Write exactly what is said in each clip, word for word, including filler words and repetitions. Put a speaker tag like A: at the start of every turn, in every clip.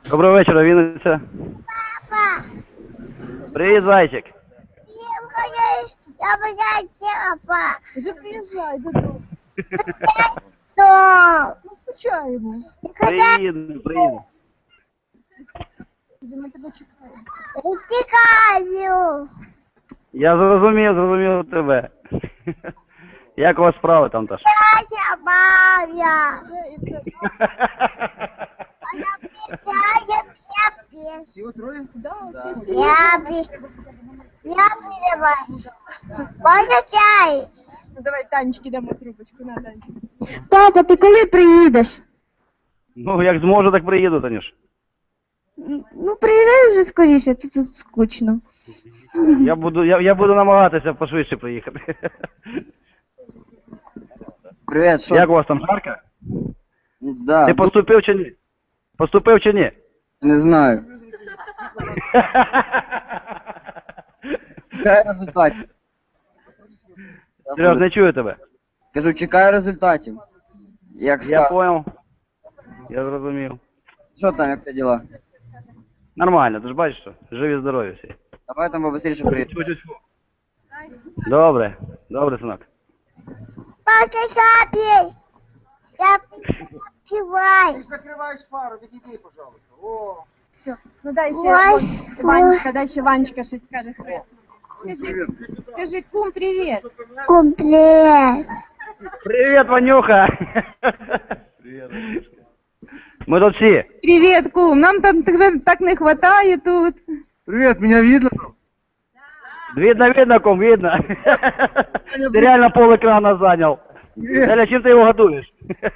A: Доброго вечора, Вінниця.
B: Папа,
A: Привіт, зайчик.
B: я боюсь, папа.
C: Вже приїжджай додому.
B: Что?
C: Ну, скучаємо.
A: Приїду, приїду.
C: Вже ми тебе чекаємо.
B: Утекаю.
A: Я зрозумів, зрозумів тебе. Як у вас справи там, Таш?
B: Я бабя.
C: Вже і це.
B: Она писает, я пишу.
C: Всі троє? Да, всі.
B: Я пишу. Я перевожу. Можно чай?
C: Ну, давай Танечки дамо трубочку, на, Танечка.
D: Тата, ти коли приїдеш?
A: Ну, як зможу, так приїду, Танюш.
D: Ну, приїжджай вже скоріше, тут, тут скучно.
A: Я буду, я, я буду намагатися пошвидше приїхати.
E: Привет, що?
A: Як у вас там, жарко?
E: Да,
A: Ти поступив чи ні? Поступив чи ні?
E: не знаю. Чекаю результатів. Я
A: Сереж,
E: буду-
A: не чую тебе.
E: Кажу, чекаю результатів. Як
A: Я
E: скажу.
A: понял. Я зрозумів.
E: Що там, як ти діла?
A: Нормально, ти ж бачиш, що живі здорові всі.
E: Давай там побыстріше приїдемо.
A: Тьфу-тьфу-тьфу. Добре, добре, синок.
B: Папа, шапей. Я пивай.
C: Ну, дай ще
B: Ой,
C: Вон- Ванечка, дай ще Ванечка щось скаже. Скажи, скажи, кум, привіт.
B: Комплект.
A: Привет, Ванюха! Привет. Мы тут все.
C: Привіт, кум, нам там тебе так не хватає тут.
E: Привет, меня видно?
A: Видно, видно, ком, видно. Ты реально пол экрана занял. Эля, чем ты его готовишь?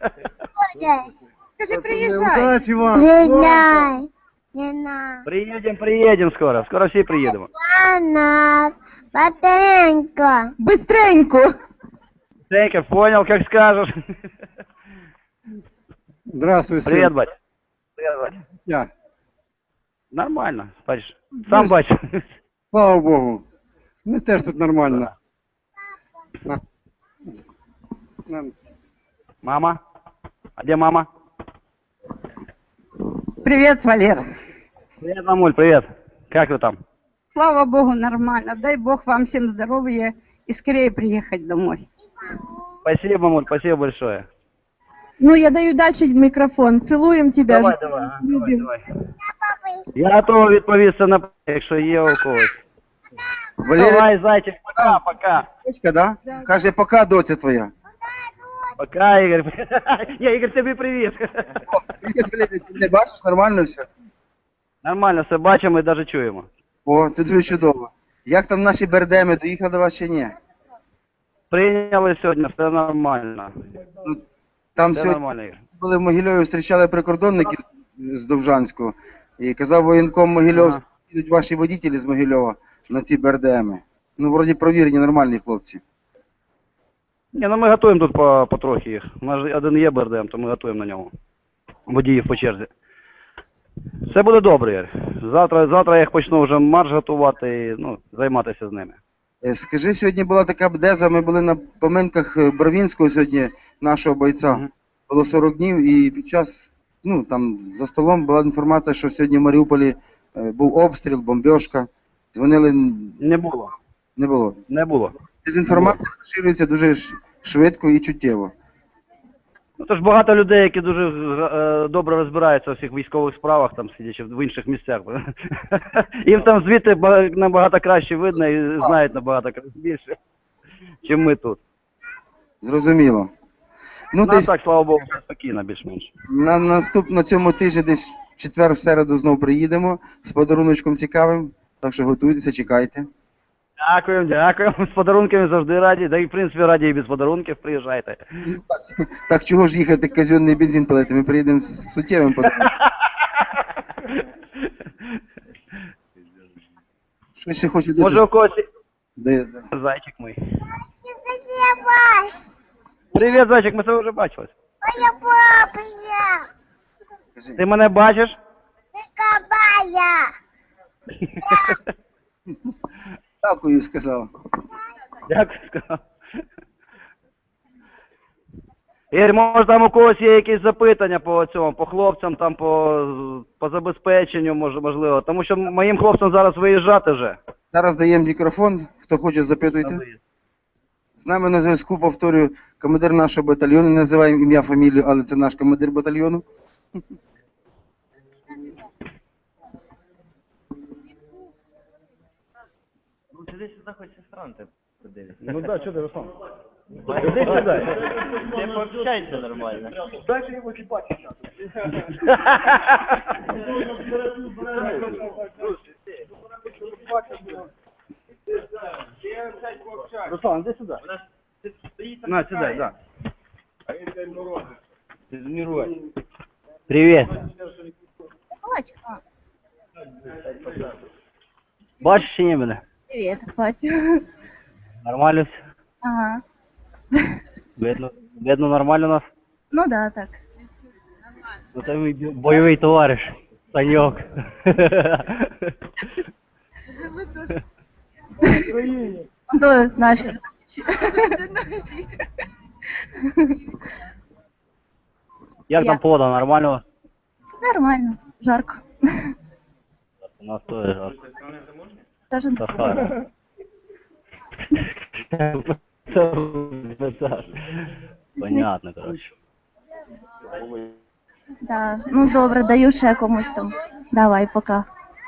C: Скажи, приїжджай.
B: Придай. Не надо.
A: Приедем, приедем скоро. Скоро все приедем.
B: Она батарейка.
C: Быстренько.
A: Женька, понял, как скажешь.
F: Здравствуй, сын.
A: Привет, бать. Привет, бать.
F: Я.
A: Нормально, бачишь. Сам бачишь.
F: Слава Богу. Ми теж тут нормально. На. На.
A: Мама? А где мама?
G: Привет, Валера.
A: Привет, мамуль, привет. Как вы там?
G: Слава Богу, нормально. Дай Бог вам всем здоровья и скорее приехать домой.
A: Спасибо, мамуль, спасибо большое.
C: Ну, я даю дальше микрофон. Целуем тебя.
A: Давай, давай, а, давай,
C: Любим.
A: давай. Я готовий відповісти на питання, якщо є у когось.
E: Валерія,
A: Давай, зайчик, пока, пока.
E: дочка, да? Каже, пока, доця твоя.
A: Пока, Ігор. Я, Ігор, тобі привіт.
E: О, привіт, Валерія, ти мене бачиш, нормально все?
A: Нормально, все бачимо і навіть чуємо.
E: О, це дуже чудово. Як там наші бердеми, доїхали до вас чи ні?
A: Прийняли сьогодні, все нормально.
E: Ну, там
A: Все
E: сьогодні
A: нормально, Ігор.
E: були в Могильові, зустрічали прикордонників з Довжанського. І казав воєнком Могильов,
A: Ага.
E: їдуть ваші водителі з Могильова на ці бердеми. Ну, вроді провірені, нормальні хлопці.
A: Ні, ну ми готуємо тут по, потрохи їх. У нас же один є БРДМ, то ми готуємо на ньому. Водіїв по черзі. Все буде добре, Ігор. Завтра, завтра я їх почну вже марш готувати і ну, займатися з ними.
E: Е, Скажи, сьогодні була така бдеза, ми були на поминках е, Бровінського сьогодні, нашого бойця.
A: Мгм.
E: Було сорок днів, і під час, ну, там, за столом була інформація, що сьогодні в Маріуполі е, був обстріл, бомбьошка. Дзвонили, н-
A: Не було.
E: не було.
A: Не було.
E: Дезінформація поширюється дуже ш- швидко і чуттєво.
A: Ну, то ж багато людей, які дуже е, добре розбираються у всіх військових справах, там сидячи в інших місцях. Їм там звідти ба- набагато краще видно і знають набагато кра- більше, ніж ми тут.
E: Зрозуміло. Ну,
A: Ну, а
E: десь
A: так, слава Богу, все спокійно, більш-менш.
E: на наступ на цьому тижні, десь в четвер, в середу знов приїдемо з подаруночком цікавим. Так що готуйтеся, чекайте.
A: Дякуємо, дякуємо. З подарунками завжди раді. Да і, в принципі, раді і без подарунків приїжджайте.
E: Так чого ж їхати казенний бензин палити? Ми приїдемо з суттєвим подарунком. Що ще хочу
A: Може,
E: дуже...
A: у когось...
E: Де- де-
A: Зайчик мій.
B: Давай.
A: Привіт, зайчик, ми тебе вже бачились.
B: Моя папа.
E: Кажи.
A: Ти мене бачиш?
B: Кабая.
E: Дякую, сказав.
A: Дякую, сказав. Ігор, може там у когось є якісь запитання по цьому, по хлопцям, там по, по забезпеченню, може, можливо. Тому що моїм хлопцям зараз виїжджати вже.
E: Зараз даємо мікрофон, хто хоче запитуйте. З нами на зв'язку, повторюю, командир нашого батальйону, не називаємо ім'я, фамілію, але це наш командир батальйону.
A: Ну да, що ти, Руслан? Іди сюди.
H: Ти пообщайся нормально.
A: Дайте йому чіпати. Руслан, иди сюда. На, сюда, да. Привет.
C: Бачка.
A: Бачиш чи ні мене?
C: Привет, бачу.
A: Нормально все?
C: Ага.
A: Видно, видно нормально нас?
C: Ну да, так.
A: Ну це мій бойовий товариш. Саньок.
C: Он то наш.
A: Як
C: Я.
A: там погода, нормально?
C: Нормально, жарко.
A: У нас теж жарко.
C: Даже
A: Сахара. Понятно, короче.
C: да. Ну добре, даю ще комусь там. Давай, пока.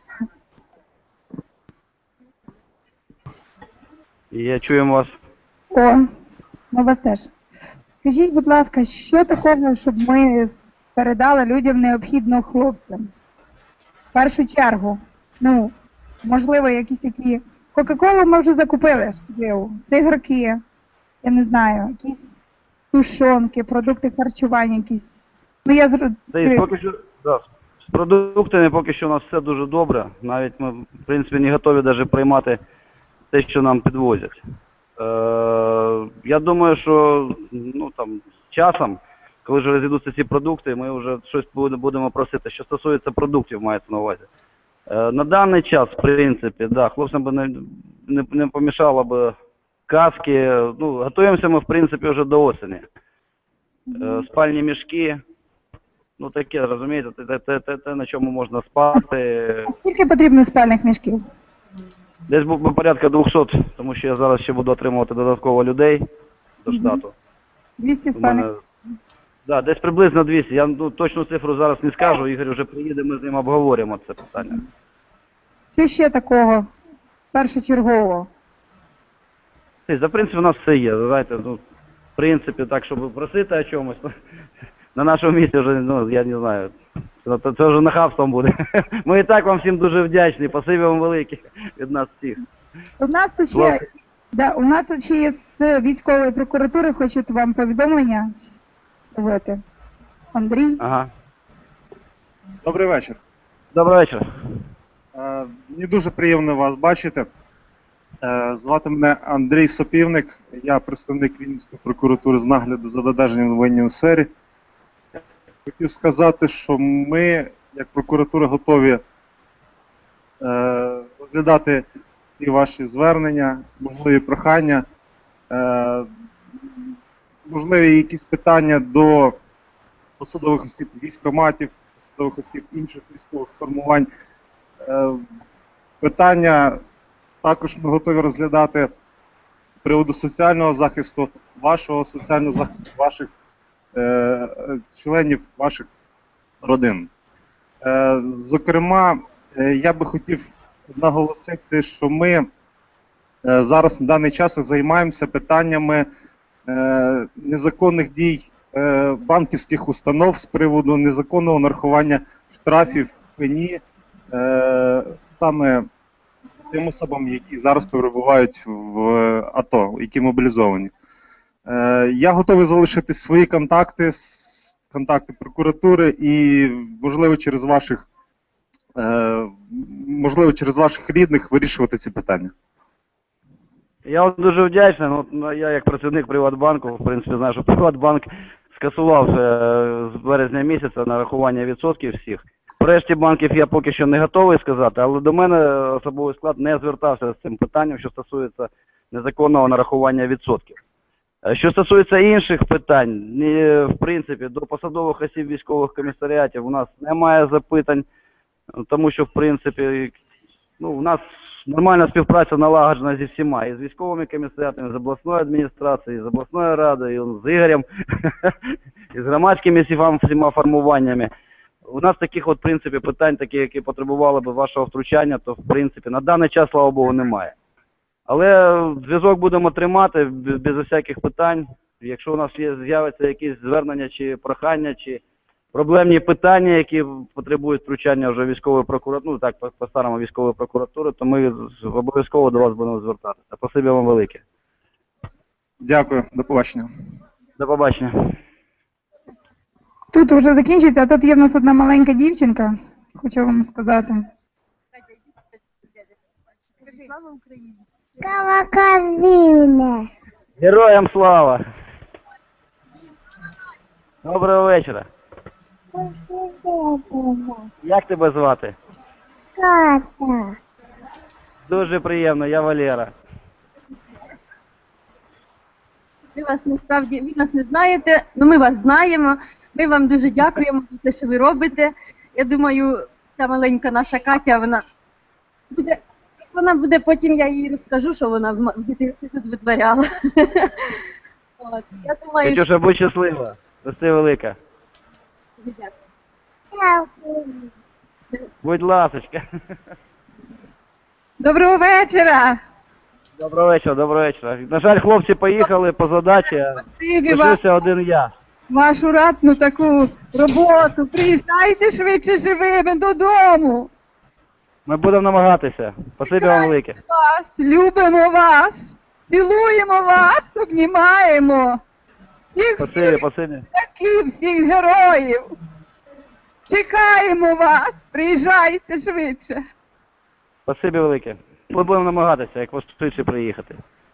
A: Я чуємо вас.
I: О, ми вас теж. Скажіть, будь ласка, що такого, щоб ми передали людям необхідно хлопцям? В першу чергу, ну, можливо, якісь такі... Кока-колу ми вже закупили, шкідливу. Цигарки, я не знаю, якісь тушонки, продукти харчування якісь. Ну, я зр...
A: Та і поки що, да, з продуктами поки що у нас все дуже добре. Навіть ми, в принципі, не готові навіть приймати те, що нам підвозять. Е, я думаю, що ну, там, з часом, коли вже розійдуться ці продукти, ми вже щось будемо просити. Що стосується продуктів, мається на увазі. Е, на даний час, в принципі, да, хлопцям би не, не, не помішало б каски. Ну, готуємося ми, в принципі, вже до осені. Е, спальні мішки. Ну таке, розумієте, те, те, те, те, на чому можна спати.
I: Скільки потрібно спальних мішків?
A: Десь був порядка двохсот, тому що я зараз ще буду отримувати додатково людей до штату.
I: двісті
A: У
I: спальних.
A: мене, да, десь приблизно двісті. Я ну, точну цифру зараз не скажу, Ігор вже приїде, ми з ним обговоримо це питання.
I: Що ще такого першочергового?
A: Ти, за принципі, у нас все є, знаєте, ну, в принципі, так, щоб просити о чомусь, на нашому місці вже, ну, я не знаю, це, це вже нахабством буде. Ми і так вам всім дуже вдячні, спасибі вам велике від нас всіх.
I: У нас тут ще,
A: Власне.
I: да, у нас тут ще є з військової прокуратури, хочуть вам повідомлення зробити. Андрій.
A: Ага.
J: Добрий вечір.
A: Добрий вечір.
J: Е, Мені дуже приємно вас бачити. Е, Звати мене Андрій Сопівник, я представник Вінницької прокуратури з нагляду за додержанням в воєнній сфері. Хотів сказати, що ми, як прокуратура, готові е, розглядати і ваші звернення, можливі прохання, е, можливі якісь питання до посадових осіб військкоматів, посадових осіб інших військових формувань. Е, Питання також ми готові розглядати з приводу соціального захисту, вашого соціального захисту, ваших е, членів, ваших родин. Е, зокрема, е, я би хотів наголосити, що ми е, зараз на даний час займаємося питаннями е, незаконних дій е, банківських установ з приводу незаконного нарахування штрафів пені е, саме тим особам, які зараз перебувають в АТО, які мобілізовані. Е, я готовий залишити свої контакти, контакти прокуратури і, можливо, через ваших, е, можливо, через ваших рідних вирішувати ці питання.
A: Я вам дуже вдячний. Ну, ну, я як працівник Приватбанку, в принципі, знаю, що Приватбанк скасував вже з березня місяця нарахування відсотків всіх. По решті банків я поки що не готовий сказати, але до мене особовий склад не звертався з цим питанням, що стосується незаконного нарахування відсотків. Е, Що стосується інших питань, ні, в принципі, до посадових осіб військових комісаріатів у нас немає запитань, тому що, в принципі, ну, у нас нормальна співпраця налагоджена зі всіма, і з військовими комісаріатами, з обласною адміністрацією, з обласною радою, з Ігорем, і з громадськими всіма, всіма формуваннями. У нас таких от, в принципі, питань, такі, які потребували б вашого втручання, то, в принципі, на даний час, слава Богу, немає. Але зв'язок будемо тримати без, без всяких питань. Якщо у нас є, з'явиться якісь звернення чи прохання, чи проблемні питання, які потребують втручання вже військової прокуратури, ну так, по-старому військової прокуратури, то ми обов'язково до вас будемо звертатися. Спасибі вам велике.
J: Дякую, до побачення.
A: До побачення.
I: Тут вже закінчиться, а тут є в нас одна маленька дівчинка, хочу вам сказати.
B: Каваказина.
A: Героям слава! Доброго вечора. Як тебе звати?
B: Ката.
A: Дуже приємно, я Валера.
C: Ви вас насправді, ви нас не знаєте, але ми вас знаємо. Ми вам дуже дякуємо за те, що ви робите. Я думаю, ця маленька наша Катя, вона буде, вона буде потім, я їй розкажу, що вона в м- в дитинстві тут витворяла. От, я думаю, що...
A: Катюша, будь щаслива. Рости велика. Будь ласочка.
I: Доброго вечора!
A: Доброго вечора, доброго вечора. На жаль, хлопці поїхали по задачі, а
I: Спасибі вам
A: лишився один я.
I: вашу ратну таку роботу. Приїжджайте швидше живими додому.
A: Ми будемо намагатися. Спасибі вам велике.
I: Вас, любимо вас, цілуємо вас, обнімаємо. Всіх
A: Спасибі,
I: всіх
A: спасибі.
I: таких всіх героїв. Чекаємо вас, приїжджайте швидше.
A: Спасибі велике. Ми будемо намагатися, як швидше приїхати.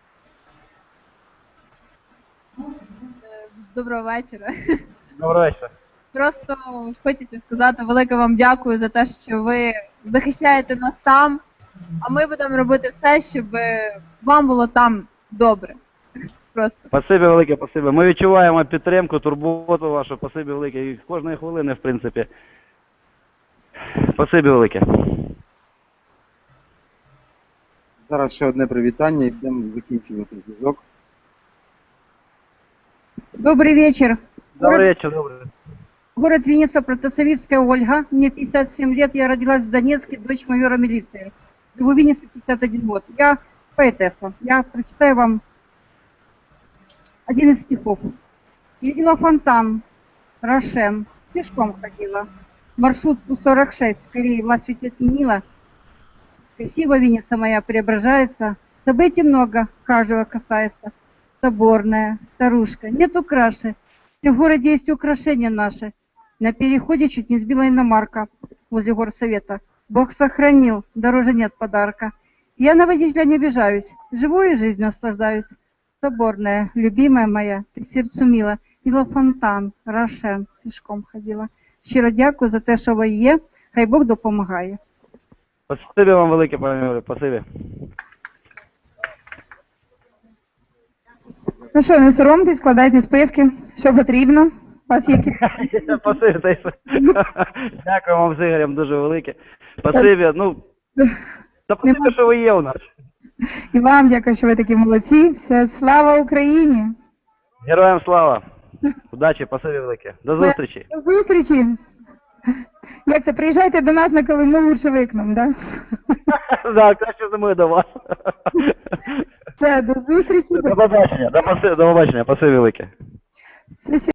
C: Доброго вечора.
A: Доброго вечора.
C: Просто хочеться сказати велике вам дякую за те, що ви захищаєте нас там, а ми будемо робити все, щоб вам було там добре. Просто.
A: Спасибі велике, спасибі. Ми відчуваємо підтримку, турботу вашу. Спасибі велике. І кожної хвилини, в принципі. Спасибі велике.
E: Зараз ще одне привітання і будемо закінчувати зв'язок.
I: Добрый вечер.
A: Добрий вечір, добрий.
I: Город Винница, Протасовицкая Ольга. Мне пятьдесят семь лет, я родилась в Донецке, дочь майора милиции. Живу в Виннице пятьдесят один год. Я поэтесса. Я прочитаю вам один из стихов. Видела фонтан, Рошен, пешком ходила. Маршрутку сорок шесть, скорее власть ведь отменила. Красиво Винница моя преображается. Событий много, каждого касается. Соборная, старушка, нету краши. В городе есть украшения наши. На переходе чуть не сбила иномарка возле горсовета. Бог сохранил, дороже нет подарка. Я на водителя не обижаюсь, живу и жизнь наслаждаюсь. Соборная, любимая моя, ты сердцу мила. Видела фонтан, Рошен, пішком ходила. Щиро дякую за те, що ви є. Хай Бог допомагає.
A: Спасибі вам велике, пане Юрію, спасибі.
I: Ну що, не соромтесь, складайте списки, що потрібно. У вас є якісь...
A: Спасибі, та й все. Дякую вам з Ігорем дуже велике. Спасибі, ну, та спасибі, що ви є у нас.
I: І вам дякую, що ви такі молодці. Все, слава Україні!
A: Героям слава. Удачі, спасибі велике. До зустрічі.
I: До зустрічі! Як це, приїжджайте до нас на Колиму Лучевикном, да?
A: Так, краще зимою до вас.
I: Все, до зустрічі.
A: До побачення, до побачення, спасибі велике.
I: Все,